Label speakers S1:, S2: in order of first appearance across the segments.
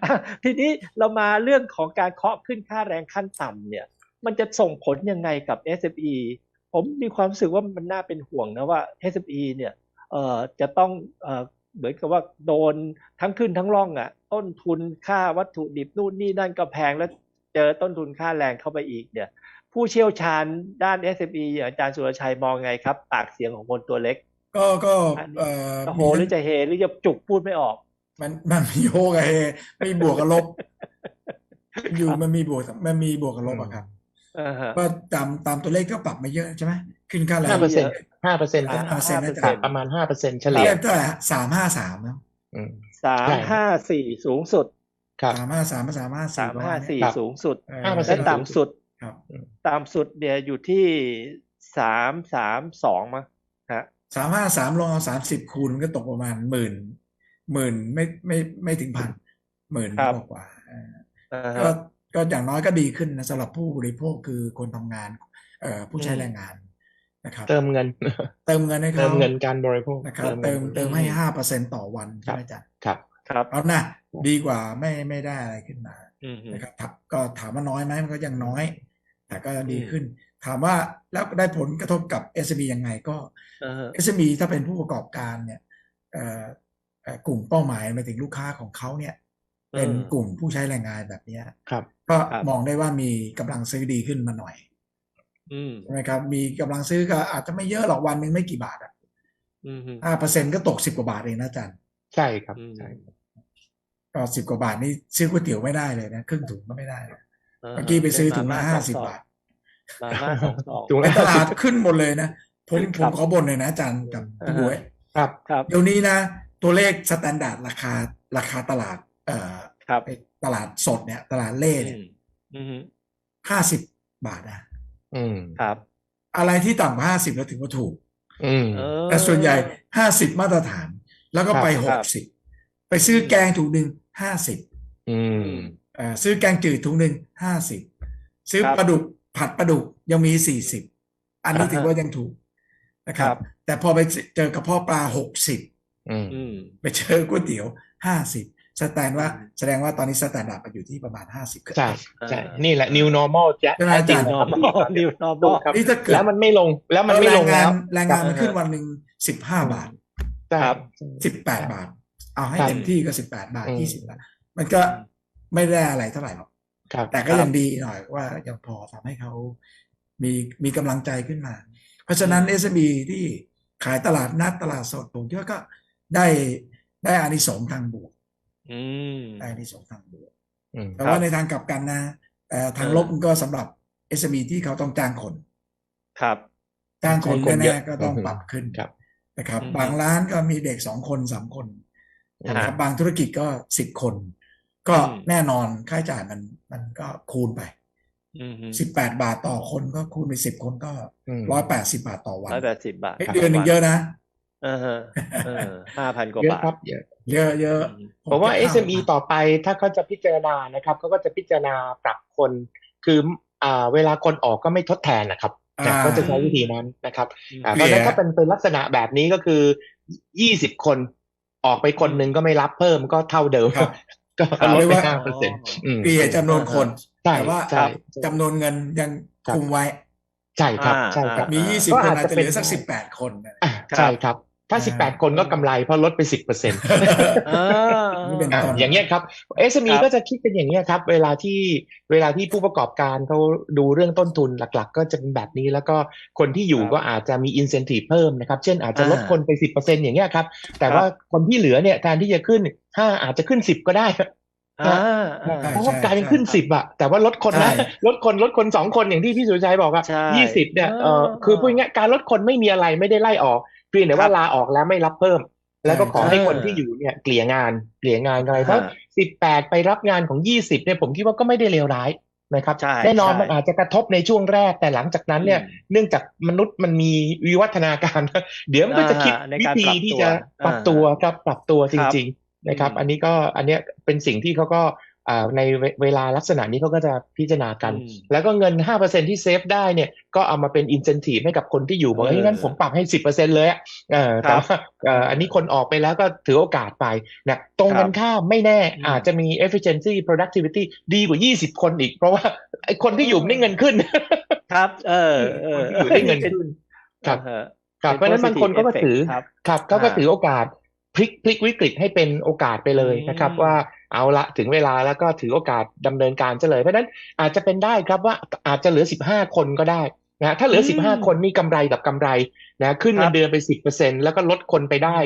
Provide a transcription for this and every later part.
S1: ทีนี้เรามาเรื่องของการเคาะขึ้นค่าแรงขั้นต่ำเนี่ยมันจะส่งผลยังไงกับ SME ผมมีความรู้สึกว่ามันน่าเป็นห่วงนะว่า SME เนี่ยจะต้องเหมือนกับว่าโดนทั้งขึ้นทั้งร่องอ่ะต้นทุนค่าวัตถุดิบนู่นนี่นั่นก็แพงแล้วเจอต้นทุนค่าแรงเข้าไปอีกเนี่ยผู้เชี่ยวชาญด้าน SME อย่างอาจารย์สุรชัยมองไงครับปากเสียงของคนตัวเล็ก
S2: ก็
S1: อันนี้
S2: เอ่อ
S1: จะโห
S2: มีทั้ง
S1: หรือจะเฮหรือจะจุกพูดไม่ออก
S2: มันมีโฮกับเฮไม่บวกกับลบอยู่มันมีบวกกับ
S3: อืม
S2: ลบอะครับ
S1: ฮะ
S2: ก็ตามตัวเลขก็ปรับมาเยอะใช่ไหมขึ้นค่าแร
S3: ห้า
S2: ง
S3: เปอร์เซ็นต์
S1: ไม่เยอะ
S3: 5%ก็
S2: 5%นะจ๊ะ
S3: ประมาณ5%เฉ
S2: ตอน
S3: ลี่ย
S2: แรกเท่าไหร่353นะ
S3: อืม
S1: สาม
S3: ใช่
S1: ห้าสี่สูงสุด
S3: ครับ
S2: 353 354ประมาณเนี้ย
S1: 354
S3: ครับ
S1: สูงสุด
S2: เออ
S1: และ
S3: 5%สูงสุด
S2: ครับ
S3: อืม
S1: ต่ำสุดเนี่ยอยู่ที่332มั้งฮะ
S2: 353ลองเอา30 คูณก็ตกประมาณหมื่นไม่ถึงพันหมื่น
S1: ครับ
S2: กว่าก็
S1: ฮะ
S2: ก็อย่างน้อยก็ดีขึ้นนะสำหรับผู้บริโภคคือคนทำงานผู้
S1: อืม
S2: ใช้แรงงานนะครับ
S3: เติมเงิน
S2: เติมเงินให้
S3: เติ
S2: เขา
S3: มเงินการบริโภค
S2: นะครับ
S3: เติมเงิน
S2: เติมให้5%ต่อวัน
S3: ครับ
S2: ใช่ไหมจ๊ะ
S3: ครับ
S1: ครับ
S2: เอานะดีกว่าไม่ได้อะไรขึ้นมา
S1: อืม
S2: นะครับก็ถามว่าน้อยไหมมันก็ยังน้อย แต่ก็ดี
S1: อืม
S2: ขึ้น ถามว่าแล้วได้ผลกระทบกับ SME ยังไงก็
S1: อ่าฮะ
S2: SME ถ้าเป็นผู้ประกอบการเนี่ยเอ่อกลุ่มเป้าหมายหมายถึงลูกค้าของเขาเนี่ยเป็นกลุ่มผู้ใช้แรงงานแบบเนี้ย
S3: ครับ
S2: ก็
S1: ครับ
S2: มองได้ว่ามีกำลังซื้อดีขึ้นมาหน่อย
S1: อืม
S2: ใช่ไหมครับมีกำลังซื้อก็อาจจะไม่เยอะหรอกวันหนึ่งไม่กี่บาทอ่ะ
S1: อืม
S2: 5%ก็ตก10 กว่าบาทเองนะอาจารย์
S3: ใช่ครับ
S1: อืม
S3: ใช่
S2: ก็10 กว่าบาทนี่ซื้อก๋วยเตี๋ยวไม่ได้เลยนะครึ่งถุงก็ไม่ได้นะ
S1: อ่า
S2: เมื่อ
S1: ฮะ
S2: กี้ไป
S1: ได้
S2: ซื้อถุงละ
S1: มาม่าสองซอง
S2: 50 บาท
S1: มาม่าสองซอง
S3: ถุง
S2: ใน
S3: ละ
S2: ตลาด
S3: 50
S2: ขึ้นหมดเลยนะผม
S1: ค
S2: ผม
S1: รับ
S2: ขอบ่นเลยนะอาจารย์กับ
S1: อ่าฮะ
S2: พี่บวย
S3: ครับ
S1: ครับ
S2: เดี๋ยวนี้นะตัวเลขสแตนดาร์ดราคาตลาด
S1: ครับ
S2: ตลาดสดเนี่ยตลาดเล่
S1: อื
S2: เนี่ย
S1: มอืม
S2: 50 บาทนะ
S3: อืม
S1: ครับ
S2: อะไรที่ต่ำกว่า50แล้วถือว่าถูก
S3: อืม
S1: เอ
S2: แต่ส่วนใหญ่
S1: อ
S2: 50มาตรฐานแล้วก็
S3: ครับ
S2: ไป
S1: ครับ
S2: 60ไปซื้อ
S1: อืม
S2: แกงถุงหนึ่ง50
S3: อืม
S1: อืม
S2: ซื้อแกงจืดถุงหนึ่ง50ซื้อ
S1: ครับ
S2: ปลาดุกผัดปลาดุกยังมี40อันนี้ถือ
S1: อ่าฮะ
S2: ว่ายังถูกนะค
S1: ครั
S2: รับ
S1: บ
S2: แต่พอไปเจอกระเพาะปลา60
S3: อืม
S1: อืม
S2: ไปเจอก๋วยเตี๋ยว50
S1: อืม
S2: แสดงว่าตอนนี้สแตนดาร์ดมันอยู่ที่ประมาณ50ขึ้น
S3: ใช่
S2: ไป
S3: ใช่
S1: อ่า
S3: นี่แหละ
S1: อ่า
S3: new normal
S2: ใช่ไหม
S3: แท้จริง
S2: อาจารย์
S3: นะครับที่
S1: normal
S3: ตอนเนี้ย
S1: new
S3: ถู
S1: normal
S3: กครับ
S2: นี่ถ้าเกิด
S3: แล้วมันไม่ลงแล้วมันไม่ลงแล้ว
S2: แรง
S3: ครับ
S2: งานมันขึ้นวันหนึ่ง15
S3: อืม
S2: บาท
S3: ใช่
S1: ครับ
S2: 18บาทเอาให้
S3: ครับ
S2: เต็มที่ก็18 บาท
S3: อืม
S2: 20 บาทมันก็ไม่ได้อะไรเท่าไหร่หรอก
S3: ครับ
S2: แต่ก็ยังดีหน่อยว่ายังพอทำให้เขามีมีกำลังใจขึ้นมา เพราะฉะนั้น SME ที่ขายตลาดนัดตลาดสดผมคิดว่าก็ได้ได้อานิสงส์ทางบวก
S1: อืม
S2: ได้อานิสงส์ทางบวก
S3: อืม
S2: แต่ว่าในทางกลับกันนะทางลบก็สำหรับ SME ที่เขาต้องจ้างคน
S1: ครับ
S2: จ้างค
S3: ใช้
S2: น
S3: คนเยอะ
S2: แน่ๆก็ต้องปรับขึ้น
S3: ครับ
S2: นะครับ
S1: อืม
S2: บางร้านก็มีเด็ก2 คน 3 คนนะครับบางธุรกิจก็10 คนก็แน่นอนค่าใช้จ่ายมันก็คูณไป
S1: อืม
S2: 18 บาทต่อคนก็คูณไป10 คนก็
S3: อืม
S2: 180 บาทต่อวัน
S1: 180 บาท
S2: เดือนหนึ่งเยอะนะ
S1: ฮะ5,000 กว่า
S3: เยอะ
S1: บาท
S3: ครับเยอะ
S2: เยอะเยอะ
S3: ผมว่า
S2: เก็บข้
S3: SME ต่อไปถ้าเขาจะพิจารณานะครับเขาก็จะพิจารณาปรับคนคือเวลาคนออกก็ไม่ทดแทนนะครับแต่ก็จะใช้วิธีนั้นนะครับเพราะฉะนั้นถ้าเป็นลักษณะแบบนี้ก็คือ20 คนออกไปคนหนึ่งก็ไม่รับเพิ่มก็เท่าเดิม
S2: ครับ
S3: ก็ลดไป5%
S2: เกลี่ยจำนวนคน
S3: ใช่
S2: แต่ว่า
S3: ใช่
S2: จำนวนเงินยังคุมไว้
S3: ใช่ครับใช่ครับ
S2: มี20 คนอาจจะเหลือสัก18 คน
S3: ใช่ครับถ้า18 คนก็กำไรเพราะลดไป 10%
S2: นี่เป็นต้น
S3: อย่างเงี้ยครับ SME ก็จะคิดเป็นอย่างเงี้ยครับเวลาที่ผู้ประกอบการเขาดูเรื่องต้นทุนหลักๆก็จะเป็นแบบนี้แล้วก็คนที่อยู่ก็อาจจะมี incentive เพิ่มนะครับเช่นอาจจะลดคนไป 10% อย่างเงี้ยครับแต่ว่าคนที่เหลือเนี่ยแทนที่จะขึ้น5อาจจะขึ้น10ก็ได้เพราะว่ากลายเป็นขึ้น10อะแต่ว่าลดคนนะลดคน2 คนอย่างที่พี่สุรชัยบอกอะ20เนี่ยคือพูดง่ายๆการลดคนไม่มีอะไรไม่ได้ไล่ออกเพียงแต่ว่าลาออกแล้วไม่รับเพิ่มแล้วก็ขอให้คนที่อยู่เนี่ยเกลี่ยงานอะไรเพราะ18ไปรับงานของ20เนี่ยผมคิดว่าก็ไม่ได้เลวร้ายนะครับแน่นอนมันอาจจะกระทบในช่วงแรกแต่หลังจากนั้นเนี่ยเนื่องจากมนุษย์มันมีวิวัฒนาการเดี๋ยวมันก็จะคิดวิธีที่จะปรับตัวครับปรับตัวจริงๆนะครับอันนี้เป็นสิ่งที่เขาก็ในเวลาลักษณะนี้เขาก็จะพิจารณากัน
S1: อืม
S3: แล้วก็เงิน 5% ที่เซฟได้เนี่ยก็เอามาเป็น incentive ให้กับคนที่อยู่บอกเฮ้ยงั้นผมปรับให้ 10% เลยอะแต่ว่าอันนี้คนออกไปแล้วก็ถือโอกาสไปนะตรงกันข้ามไม่แน่อาจจะมี efficiency productivity ดีกว่า20 คนอีกเพราะว่าไอ้คนที่อยู่ได้เงินขึ้น
S1: ครับ
S3: คนที่อยู่ได้เงินขึ้นครับ ครับเพราะฉะนั้นบางคนก็ถือครับเขาก็ถือโอกาสพลิกวิกฤตให้เป็นโอกาสไปเลยนะครับว่าเอาละถึงเวลาแล้วก็ถือโอกาสดำเนินการเลยเพราะฉะนั้นอาจจะเป็นได้ครับว่าอาจจะเหลือ15 คนก็ได้นะถ้าเหลือ15 คนนี่กำไรกับกำไรนะขึ้นเงินเดือนไป 10% แล้วก็ลดคนไปได้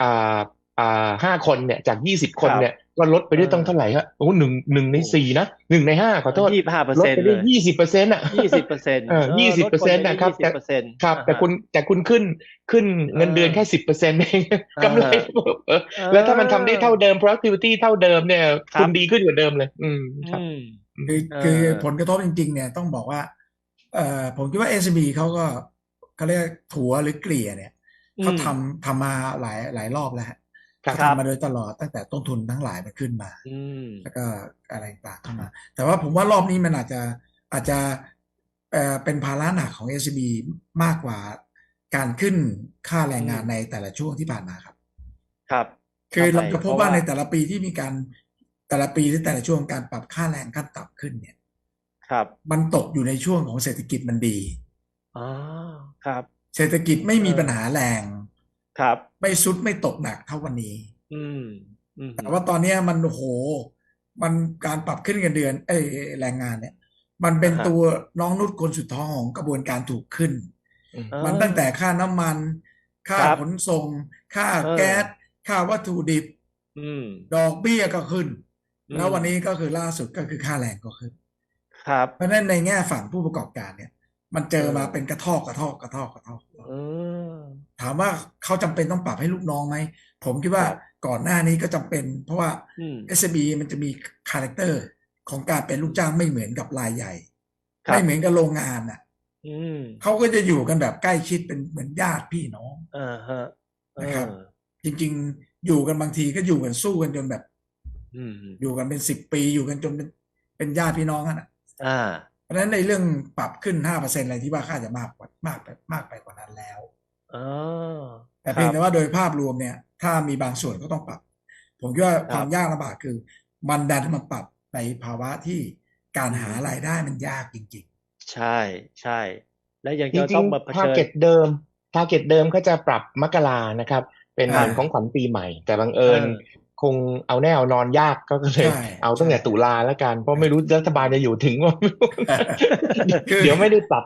S3: 5 คนเนี่ยจาก20 คนเนี่ยก็ลดไปได้ต้องเท่าไหร่ฮะโอ้หนึ่งใน 4นะ1 ใน 5ขอโทษลดไปได้ 20%อ่ะ 20%นะครับครับแต่คุณขึ้นเงินเดือนแค่ 10% เองกำไรแล้วถ้ามันทำได้เท่าเดิม productivity เท่าเดิมเนี่ยคุณดีขึ้นกว่าเดิมเลยครับ
S2: คือผลกระทบจริงๆเนี่ยต้องบอกว่าผมคิดว่า SCB เขาเรียกถั่วหรือเกลี่ยเนี่ยเขาทำมาหลายรอบแล้วเขาทำมาโดยตลอดตั้งแต่ต้นทุนทั้งหลายมันขึ้นมาแล้วก็อะไรต่างเข้ามาแต่ว่าผมว่ารอบนี้มันอาจจะเป็นภาระหนักของ SCB มากกว่าการขึ้นค่าแรงงานในแต่ละช่วงที่ผ่านมาครับคือเราจะพบว่าในแต่ละปีที่มีการแต่ละปีหรือแต่ละช่วงการปรับค่าแรงขั้นต่ำขึ้นเนี่ยมันตกอยู่ในช่วงของเศรษฐกิจมันดี
S1: ครับ
S2: เศรษฐกิจไม่มีปัญหาแรงไม่ซุดไม่ตกหนักเท่าวันนี้แต่ว่าตอนนี้มันโหมันการปรับขึ้นเงินเดือนแรงงานเนี่ยมันเป็นตัวน้องนุชคนสุดท้องของกระบวนการถูกขึ้นมันตั้งแต่ค่าน้ำมันค่าขนส่งค่าแก๊สค่าวัตถุดิบดอกเบี้ยก็ขึ้นแล้ววันนี้ก็คือล่าสุดก็คือค่าแรงก็ขึ้นเพราะฉะนั้นในแง่ฝั่งผู้ประกอบการเนี่ยมันเจอมาเป็นกระทอกถามว่าเขาจำเป็นต้องปรับให้ลูกน้องไหมผมคิดว่าก่อนหน้านี้ก็จำเป็นเพราะว่า SME มันจะมีคาแรคเตอร์ของการเป็นลูกจ้างไม่เหมือนกับรายใหญ่ไม่เหมือนกับโรงงานอ่ะเขาก็จะอยู่กันแบบใกล้ชิดเป็นเหมือนญาติพี่น้องนะครับจริงๆอยู่กันบางทีก็อยู่กันสู้กันจนแบบอยู่กันเป็น10 ปีอยู่กันจนเป็นญาติพี่น้องกันเพราะฉะนั้นในเรื่องปรับขึ้น 5% อะไรที่ว่าค่าจะมากไปกว่านั้นแล้วแต่เพียงแต่ว่าโดยภาพรวมเนี่ยถ้ามีบางส่วนก็ต้องปรับผมคิดว่าความยากลำบากคือมันดันมาปรับในภาวะที่การหารายได้มันยากจริง
S1: ๆใช่และยังจะต้องมาเผชิญ
S3: target เดิมก็จะปรับมกรานะครับเป็นเหมือนของขวัญปีใหม่แต่บังเอิญคงเอาแน่เอานอนยากก็เลยเอาตั้งแต่ตุลาแล้วกันเพราะไม่รู้รัฐบาลจะอยู่ถึงว่าเดี๋ยวไม่ได้ปรับ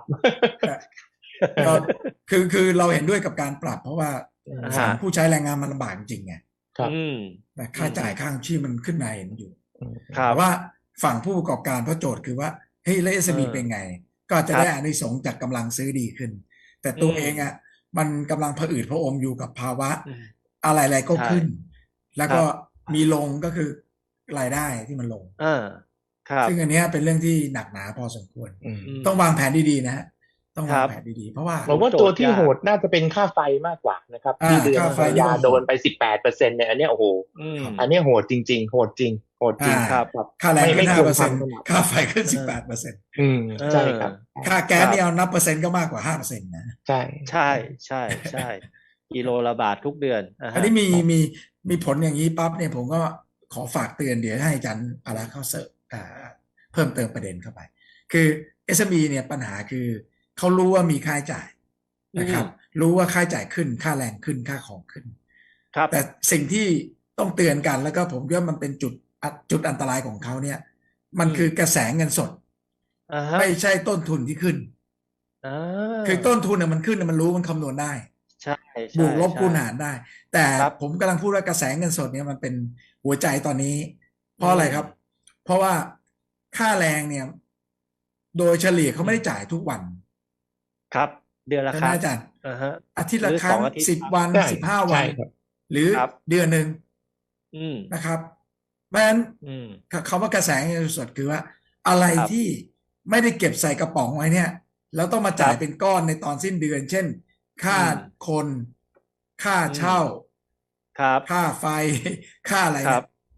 S2: คือเราเห็นด้วยกับการปรับเพราะว่าผู้ใช้แรงงานมันลำบากจริงไงค่าจ่ายค่าชีพมันขึ้นมาเห็นอยู่แต่ว่าฝั่งผู้ประกอบการเพราะโจทย์คือว่าเฮ้ยแล้ว SME เป็นไงก็จะได้อานิสงส์จากกำลังซื้อดีขึ้นแต่ตัวเองอ่ะมันกำลังผะอืดผะอมอยู่กับภาวะอะไรๆก็ขึ้นแล้วก็มีลงก็คือรายได้ที่มันลงซึ่งอันนี้เป็นเรื่องที่หนักหนาพอสมควรต้องวางแผนดีๆนะต้องวางแผนดีๆเพราะว่า
S3: ผมว่าตัวที่โหดน่าจะเป็นค่าไฟมากกว่านะครับที่เดือนกันยาโดนไป 18% เนี่ยอันนี้โอ้โหอันนี้โหดจริงๆโหดจริง
S2: ครับค่าแรงขึ้น 5% ค่าไฟขึ้น 18%
S3: ใช่ครับ
S2: ค่าแก๊สนี่เอานับเปอร์เซ็นต์ก็มากกว่า 5% นะ
S3: ใ
S1: ช่กิโลละบาททุกเดือน
S2: อันนี้มีผลอย่างนี้ปั๊บเนี่ยผมก็ขอฝากเตือนเดี๋ยวให้อาจารย์อะไรเข้าเสิร์ฟเพิ่มเติมประเด็นเข้าไปคือ SME เนี่ยปัญหาคือเขารู้ว่ามีค่าใช้จ่ายนะครับรู้ว่าค่าใช้จ่ายขึ้นค่าแรงขึ้นค่าของขึ้นแต่สิ่งที่ต้องเตือนกันแล้วก็ผมว่ามันเป็นจุดอันตรายของเขาเนี่ยมันคือกระแสเงินสดไม่ใช่ต้นทุนที่ขึ้นคือต้นทุนเนี่ยมันขึ้นมันรู้มันคำนวณได้บวกลบคูณหารได้แต่ผมกำลังพูดว่ากระแสเงินสดเนี่ยมันเป็นหัวใจตอนนี้เพราะอะไรครับเพราะว่าค่าแรงเนี่ยโดยเฉลี่ยเขาไม่ได้จ่ายทุกวัน
S1: ครับเดือนละครั้ง
S2: อาจารย์อาทิตย์ละครั้ง10 วัน15 วันหรือเดือนหนึ่งนะครับเพราะฉะนั้นคำว่ากระแสเงินสดคือว่าอะไรที่ไม่ได้เก็บใส่กระป๋องไว้เนี่ยแล้วต้องมาจ่ายเป็นก้อนในตอนสิ้นเดือนเช่นค่าคนค่าเช่าค่าไฟค่าอะไรไอ้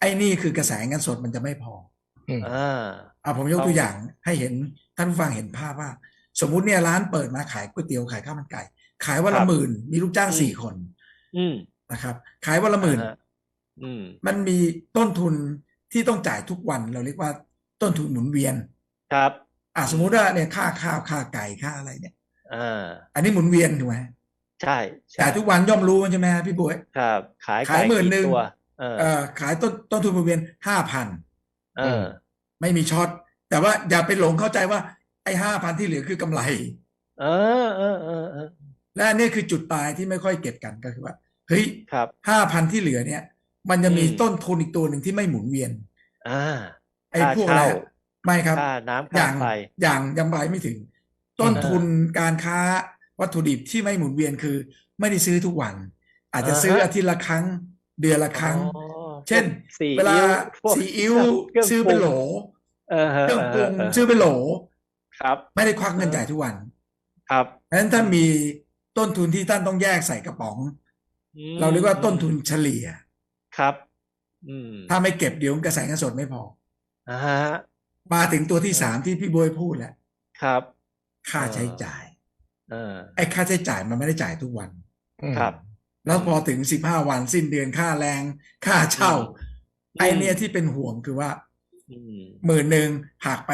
S2: อ้นี่คือกระแสเงินสดมันจะไม่พอ
S1: อ่า
S2: ผมยกตัวอย่างให้เห็นท่านผู้ฟังเห็นภาพว่า สมมุติเนี่ยร้านเปิดมาขายก๋วยเตี๋ยวขายข้าวมันไก่ขายวัน
S1: ครั
S2: ละ
S1: บ
S2: 10,000มีลูกจ้าง
S1: อืม
S2: 4 คน
S1: อืม
S2: นะครับขายวันละ10,000
S1: อ่าฮะอืม
S2: มันมีต้นทุนที่ต้องจ่ายทุกวันเราเรียกว่าต้นทุนหมุนเวียน
S1: ครับ
S2: สมมุติว่าเนี่ยค่าข้าวค่าไก่ค่าอะไรเนี่ย
S1: อ่า
S2: อันนี้หมุนเวียนถูกไหม
S1: ใช่ใช่
S2: จ่ายทุกวันย่อมรู้ใช่ไหมพี่บุ๋ย
S1: ครับ ขาย
S2: ขาย
S1: ไก่
S2: 10,000
S1: กี่ตัวเออ
S2: ขายต้นทุนหมุนเวียน 5,000
S1: เออ
S2: ไม่มีช็อตแต่ว่าอย่าไปหลงเข้าใจว่าไอ้ 5,000 ที่เหลือคือกำไร
S1: เออเออเออเออ
S2: และอันนี้คือจุดตายที่ไม่ค่อยเก็บกันก็คือว่าเฮ้ย
S1: ครับ
S2: 5,000 ที่เหลือเนี่ย มันจะมี
S1: อืม
S2: ต้นทุนอีกตัวหนึ่งที่ไม่หมุนเวียน
S1: อ่า
S2: ไอ้
S1: ค่า
S2: พวกอะไร
S1: เช่า
S2: ไม่ครับ
S1: ค่าน้ำ
S2: อ
S1: ค่า
S2: ย่าง
S1: ไฟ
S2: ยังไปไม่ถึง ต้นทุนการค้าวัตถุดิบที่ไม่หมุนเวียนคือ ไม่ได้ซื้อทุกวัน อาจจะซื้ออาทิตย์ละครั้ง เดือนละครั้ง
S1: อ๋อ
S2: เช่น
S1: พวกซี
S2: เวลา
S1: อิ๊วพวก
S2: ซีอิ๊ว
S1: เครื่อง
S2: ซื้อ
S1: ปรุ
S2: เป็น
S1: ง
S2: โหล
S1: เออ
S2: เครื่องปรุง
S1: เออ
S2: ซื้อเป็นโหล
S1: ครับ
S2: ไม่ได้ควักเงินจ่ายทุกวัน
S1: ครับ
S2: เพราะฉะนั้นถ้ามีต้นทุนที่ท่านต้องแยกใส่กระป๋อง
S1: อืม
S2: เราเรียกว่าต้นทุนเฉลี่ย
S1: ครับ อืม
S2: ถ้าไม่เก็บเดี๋ยวกระแสเงินสดไม่พอ
S1: อ่าฮะ
S2: มาถึงตัวที่3ที่พี่บวยพูดแล้ว
S1: ครับ
S2: ค่าใช้จ่าย
S1: เออ
S2: ไอ้ค่าใช้จ่ายมันไม่ได้จ่ายทุกวัน
S1: ครับ
S2: แล้วพอถึง15 วันสิ้นเดือนค่าแรง ค่าเช่า
S1: อืม
S2: ไอ้เนี่ยที่เป็นห่วงคือว่า
S1: อืม
S2: 10,000หักไป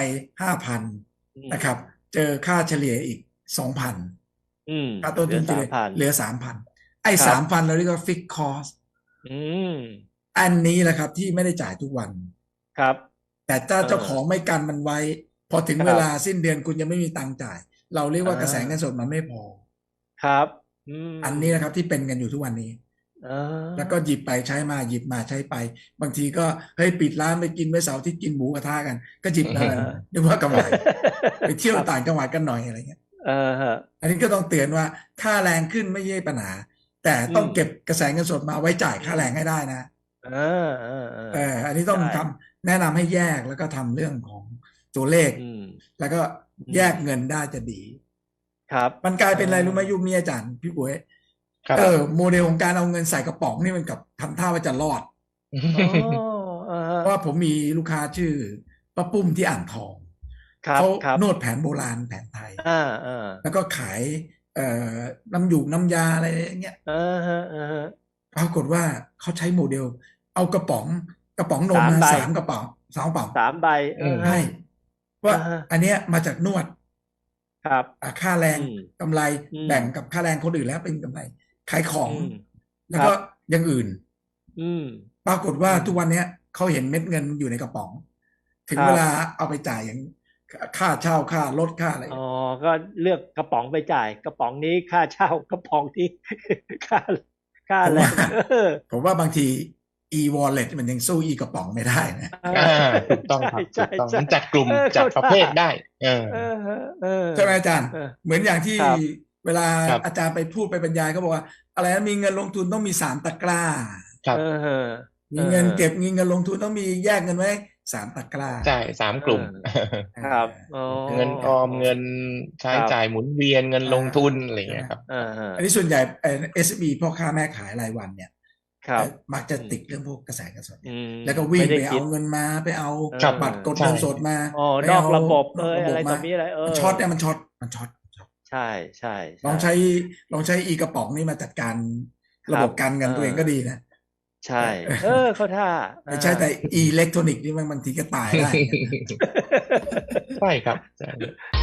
S2: 5,000 นะครับ เจอค่าเฉลี่ยอีก 2,000
S1: อืม
S2: ค่าต้นทุนเฉลี่ย
S1: 3,000
S2: เหลือ 3,000 ไอ้
S1: ครับ
S2: 3,000 เราเรียกว่าฟิกคอส
S1: อืม
S2: อันนี้แหละครับที่ไม่ได้จ่ายทุกวัน
S1: ครับ
S2: แต่ถ้าเจ้าของไม่กันมันไว้ พอถึง
S1: ครับ
S2: เวลาสิ้นเดือนคุณยังไม่มีตังค์จ่าย เราเรียกว่า
S1: อ่า
S2: กระแสเงินสดมันไม่พอ
S1: ครับ อืม
S2: อันนี้นะครับที่เป็นกันอยู่ทุกวันนี้
S1: อ่า
S2: แล้วก็หยิบไปใช้มาหยิบมาใช้ไป บางทีก็เฮ้ยปิดร้านไปกินไว้เสาร์อาที่กินหมูกระทะกัน ก็หยิบมานึกว่ากำไรไปเที่ยวต่างจังหวัดกันหน่อยอะไรเงี้ย
S1: เออฮะ
S2: อันนี้ก็ต้องเตือนว่าค่าแรงขึ้นไม่ใช่ปัญหา แต่ต้องเก็บกระแสเงินสดมาไว้จ่ายค่าแรงให้ได้นะ อันนี้ต้อง
S1: ใช่
S2: ทำแนะนำให้แยกแล้วก็ทำเรื่องของตัวเลข
S1: อืม
S2: แล้วก็แยกเงินได้จะดี
S1: ครับ
S2: มันกลายเป็นอะไรรู้ไหมยุคนี้อาจารย์พี่ปุ๋ย
S3: ครับ
S2: โมเดลของการเอาเงินใส่กระป๋องนี่มันกับทำท่าว่าจะรอด
S1: อ๋อ
S2: เพราะว่าผมมีลูกค้าชื่อป้าปุ้มที่อ่างทอง
S1: ครับ
S2: เขา
S1: ครับ
S2: นวดแผนโบราณแผนไทย
S1: อ่า
S2: แล้วก็ขายน้ำหยูกน้ำยาอะไรอย่างเงี้ย
S1: ฮะ
S2: ปรากฏว่าเขาใช้โมเดล เอากระป๋องนมมา
S1: 3 ใบ
S2: 3 กระป๋อง2 กระป๋อง
S1: 3 ใบ
S2: ใช่ว่า
S1: อ่าฮะ
S2: อันเนี้ยมาจากนวด
S1: ครับ
S2: ค่าแรง
S1: อืม
S2: กำไร
S1: อืม
S2: แบ่งกับค่าแรงคนอื่นแล้วเป็นกำไรขายของ
S1: อืม
S2: แล้วก็
S1: ครับ
S2: อย่างอื่น
S1: อืม
S2: ปรากฏว่าทุกวันเนี้ยเขาเห็นเม็ดเงินอยู่ในกระป๋อง ถึง
S1: ครับ
S2: เวลาเอาไปจ่ายอย่างค่าเช่าค่ารถค่าอะไร
S1: อ๋อ ก็เลือกกระป๋องไปจ่าย กระป๋องนี้ค่าเช่ากระป๋องที่ ค่าแรง
S2: ผมว่าบางที e-wallet มันยังสู้ e กระป๋องไม่ได้นะ
S3: ถูกต้องครับ
S1: ใช่
S3: ถูกต้อง
S1: ใช่
S3: มันจัดกลุ่ม
S1: เออ
S3: จัด
S1: เข้า
S3: ประเภท
S1: ท่า
S3: ได้
S2: ใช่ไหมอาจารย์
S1: เออ
S2: เหมือนอย่างที่
S1: ครับ
S2: เวลา
S3: ครับ
S2: อาจารย์ไปพูดไปบรรยายเขาบอกว่า อะไรนะมีเงินลงทุนต้องมี3 ตะกร้า
S3: ครับ
S2: มีเงินเก็บมีเงินลงทุนต้องมีแยกเงินไว้3 ตะกร้า
S3: ใช่3 กลุ่ม
S1: ครับอ๋อ
S3: เงินออมเงินใช้
S1: ครับ
S3: จ่ายหมุนเวียนเงินลงทุนอะไรอย่างเงี้ยครับ
S2: อันนี้ส่วนใหญ่SME พ่อค้าแม่ขายรายวันเนี่ย
S1: ครับ
S2: มักจะติดเรื่องพวกกระแสเงินสด
S1: อืม
S2: แล้วก็วิ่ง
S1: ม่
S2: ไป
S1: ด้
S2: เอา
S1: คิด
S2: เงินมาไปเอา
S1: ครับ
S2: บัตรกด
S3: ใช่
S2: เงินสดมา
S1: อ๋อ
S2: ไป
S1: นอก
S2: เอา
S1: ระบบ
S2: นอกระบบ
S1: อะไรต่อ
S2: มา
S1: มีอะไร
S2: มันช็อตเนี่ยมันช็อต
S1: ใช่ใช่
S2: ลองใช้อีกระป๋องนี่มาจัดการระบบการเงินตัวเองก็ดีนะ
S1: ใช่ เข้าท่า
S2: ไม่ใช่แต่อิเล็กทรอนิกส์นี่บางทีก็ตายได้
S3: ใช่ครับใช่